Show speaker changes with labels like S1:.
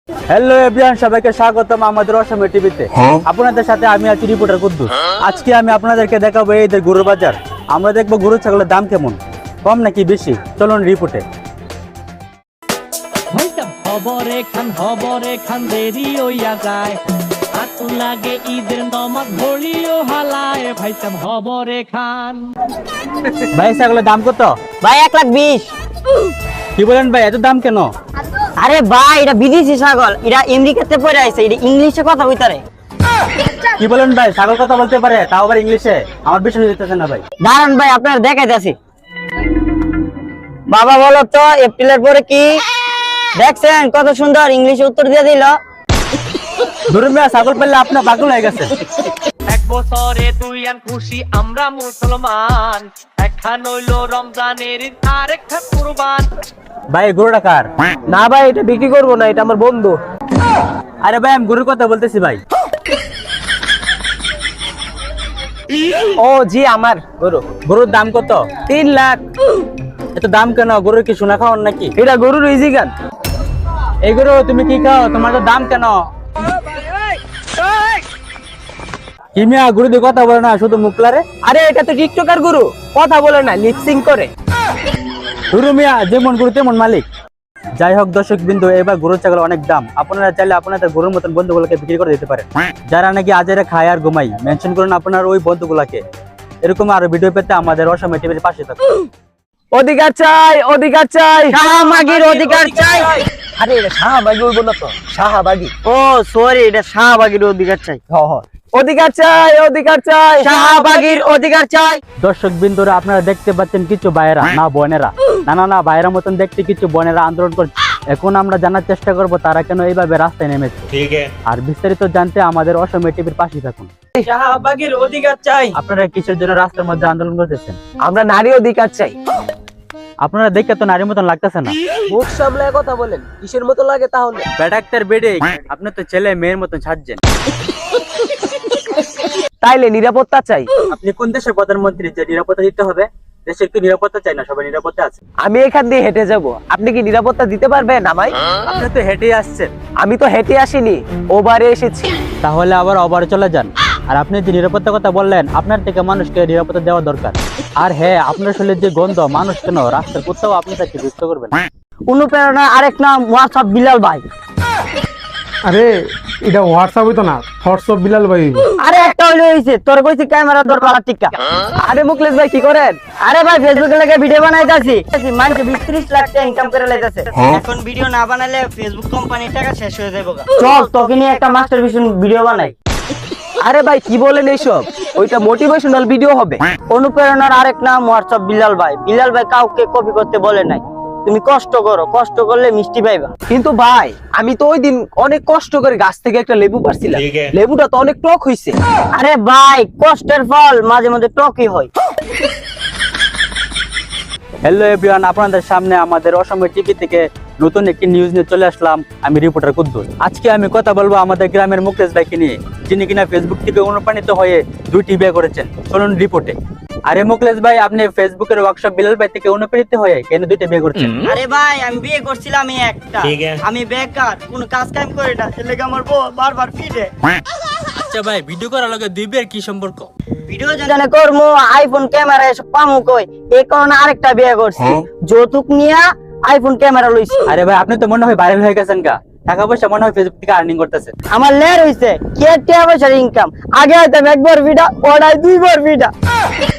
S1: Hello everyone, সবাইকে স্বাগতম আমাদের অসময় টিভিতে। আপনাদের সাথে আমি আছি রিপোর্টার কুদ্দুস। আজকে আমি আপনাদেরকে দেখাবো এইদের গরুর বাজার। আমরা দেখবো গরু ছাগলের দাম কেমন, কম নাকি বেশি। চলুন রিপোর্টে।
S2: খবরে খান দেরি হইয়া যায়, হাত লাগে ঈদের নমাজ ঘড়িও হালায়, ভাইসাব খবরে খান।
S1: ভাই ছাগলের দাম কত?
S3: ভাই 1,20,000।
S1: কি বলেন ভাই, এত দাম কেন?
S3: আরে ভাই এটা বিদেশি ছাগল, এটা আমেরিকাতে পড়ে আছে, এটা ইংলিশে কথা কইতারে।
S1: কি বলেন ভাই, ছাগল কথা বলতে পারে, তাও আবার ইংলিশে? আমার বিশ্বাস হইতেছে না ভাই।
S3: দাঁড়ান ভাই আপনার দেখাইতেছি। বাবা বলো তো এপ্রিলের পরে কি দেখছেন? কত সুন্দর ইংলিশে উত্তর দিয়ে দিল।
S1: ধরুন ভাই, ছাগল পেলে আপনার পাগল হয়ে গেছে।
S2: এক বছরে দুই আন খুশি আমরা মুসলমান, একখান হইল রমজানের ঈদ আর একখান কুরবান।
S1: ভাই গরুটা কার?
S3: না ভাই এটা বিক্রি করবো না, এটা আমার বন্ধু।
S1: আরে ভাই আমি গরুর কথা বলতেছি ভাই।
S3: ও জি আমার গরু।
S1: গরুর দাম কত?
S3: 3 লাখ।
S1: এত দাম কেন? গরুর কি সোনা খাওয়ান নাকি?
S3: এটা গরুর ইজিগান।
S1: এই গরু তুমি কি খাও? তোমার তো দাম কেন? কি মিয়া, গরু দিয়ে কথা বলে না, শুধু মুখলারে।
S3: আরে এটা তো টিকটকার গরু, কথা বলে না, লিপসিং করে।
S1: গরু মিয়া যেমন গরু তেমন মালিক। যাই হোক দর্শক বিন্দু, এবার গরু ছাগল অনেক দাম। আপনারা চাইলে আপনাদের গরুর মতন বন্ধুগুলোকে বিক্রি করে দিতে পারেন, যারা নাকি আজেরে খায় আর ঘুমাই। মেনশন করুন আপনার ওই বন্ধুগুলাকে। এরকম আরো ভিডিও পেতে আমাদের অসময় টিভির পাশে থাকুন।
S3: অধিকার চাই, অধিকার চাই, শাহবাগীর অধিকার চাই। আরে এটা শাহবাগী হইব না তো, শাহবাগী। ও সরি, এটা শাহবাগীর অধিকার চাই। অধিকার চাই, অধিকার চাই, শাহবাগীর অধিকার চাই।
S1: দর্শক বিন্দুরা আপনারা দেখতে পাচ্ছেন কিছু ভাইয়েরা, না বোনেরা, না ভাইয়েরা মতন দেখতে কিছু বোনেরা আন্দোলন করছে। এখন আমরা জানার চেষ্টা করব তারা কেন এইভাবে রাস্তায় নেমেছে। আর বিস্তারিত জানতে আমাদের অসময় টিভির পাশে থাকুন।
S3: শাহবাগীর অধিকার চাই।
S1: আপনারা কিসের জন্য রাস্তার মধ্যে আন্দোলন করতেছেন?
S3: আমরা নারী অধিকার চাই।
S1: আপনারা দেখে তো নারীর মতন লাগতেছে না।
S3: মুখ সামলায় কথা বলেন, কিসের মতো লাগে তাহলে?
S1: বেডাক্তার বেডে, আপনি তো ছেলে মেয়ের মতন সাজছেন।
S3: তাইলে নিরাপত্তা চাই।
S1: আপনি কোন দেশের প্রধানমন্ত্রী যে নিরাপত্তা দিতে হবে? দেশের কি নিরাপত্তা চাই না? সবাই নিরাপত্তা আছে।
S3: আমি এখান দিয়ে হেঁটে যাব, আপনি কি নিরাপত্তা দিতে পারবেন আমায়?
S1: আপনি তো হেঁটেই আসছেন।
S3: আমি তো হেঁটে আসিনি, ওভারে এসেছি।
S1: তাহলে আবার ওভারে চলে যান। আর আপনি যে নিরাপত্তার কথা বললেন, আপনার থেকে মানুষকে নিরাপত্তা দেওয়া দরকার। আর হ্যাঁ, আপনার শরীরের যে গন্ধ, মানুষ কেন রাস্তার কোথাও আপনি তাকে বুঝতে করবেন।
S3: অনুপ্রেরণা আরেক নাম হোয়াটসঅ্যাপ বিলাল ভাই।
S4: আরে এটা হোয়াটসঅ্যাপ হইতো না, হোয়াটসঅ্যাপ বিলাল ভাই হইবো।
S3: আরে একটা হইলো হইছে, তোর কইছি ক্যামেরা তোর পালা টিকা। আরে মুকলেশ ভাই কি করেন? আরে ভাই ফেসবুকে লাগে ভিডিও বানাইতাছি, মানুষ 20-30 লাখ টাকা ইনকাম করে লাইতাছে। এখন ভিডিও না বানালে ফেসবুক কোম্পানির টাকা শেষ হয়ে যাবে। চল তোকে নিয়ে একটা মাস্টারপিস ভিডিও বানাই। আরে ভাই কি বলেন এইসব? ওইটা মোটিভেশনাল ভিডিও হবে। অনুপ্রেরণার আরেক নাম হোয়াটসঅ্যাপ বিলাল ভাই। বিলাল ভাই কাউকে কপি করতে বলে নাই। তুমি কষ্ট করো, কষ্ট করলে মিষ্টি পাইবা। কিন্তু ভাই আমি তো ওই দিন অনেক কষ্ট করে গাছ থেকে একটা লেবু পারছিলাম, লেবুটা তো অনেক টক হইছে। আরে ভাই কষ্টের ফল মাঝে মাঝে টকই হয়।
S1: হ্যালো এভরিওয়ান, আপনাদের সামনে আমাদের অসময় টিভি থেকে নতুন একটি নিউজ নিয়ে চলে আসলাম। আমি রিপোর্টার কুদ্দুস। আজকে আমি কথা বলবো আমাদের গ্রামের মুকেশ ভাইকে নিয়ে, যিনি কিনা ফেসবুক থেকে অনুপ্রাণিত হয়ে 2টি বিয়ে করেছেন। চলুন রিপোর্টে। আরে মুকেশ ভাই, আপনি ফেসবুকের ওয়ার্কশপ বিলাল ভাই থেকে অনুপ্রাণিত হয়ে কেন 2টা বিয়ে করছেন?
S3: আরে ভাই আমি বিয়ে করছিলাম একটা, আমি বেকার, কোনো কাজ কাম করি না, এর লাগি আমার বউ বারবার পিটে।
S1: আচ্ছা ভাই, ভিডিও করার লগে 2 বিয়ের কি সম্পর্ক?
S3: ভিডিও জানে করমু, আইফোন ক্যামেরা এসব পামু কই, এই কারণে আরেকটা বিয়ে করছি। যৌতুক নিয়া আইফোন ক্যামেরা লইছি।
S1: আরে ভাই আপনি তো মনে হয় ভাইরাল হয়ে গেছেন গা, টাকা পয়সা মনে হয় ফেসবুক থেকে আর্নিং করতেছেন।
S3: আমার লের হইছে কে টাকা পয়সার ইনকাম। আগে হয়তো একবার ভিডিও, ওড়াই 2বার ভিডিও।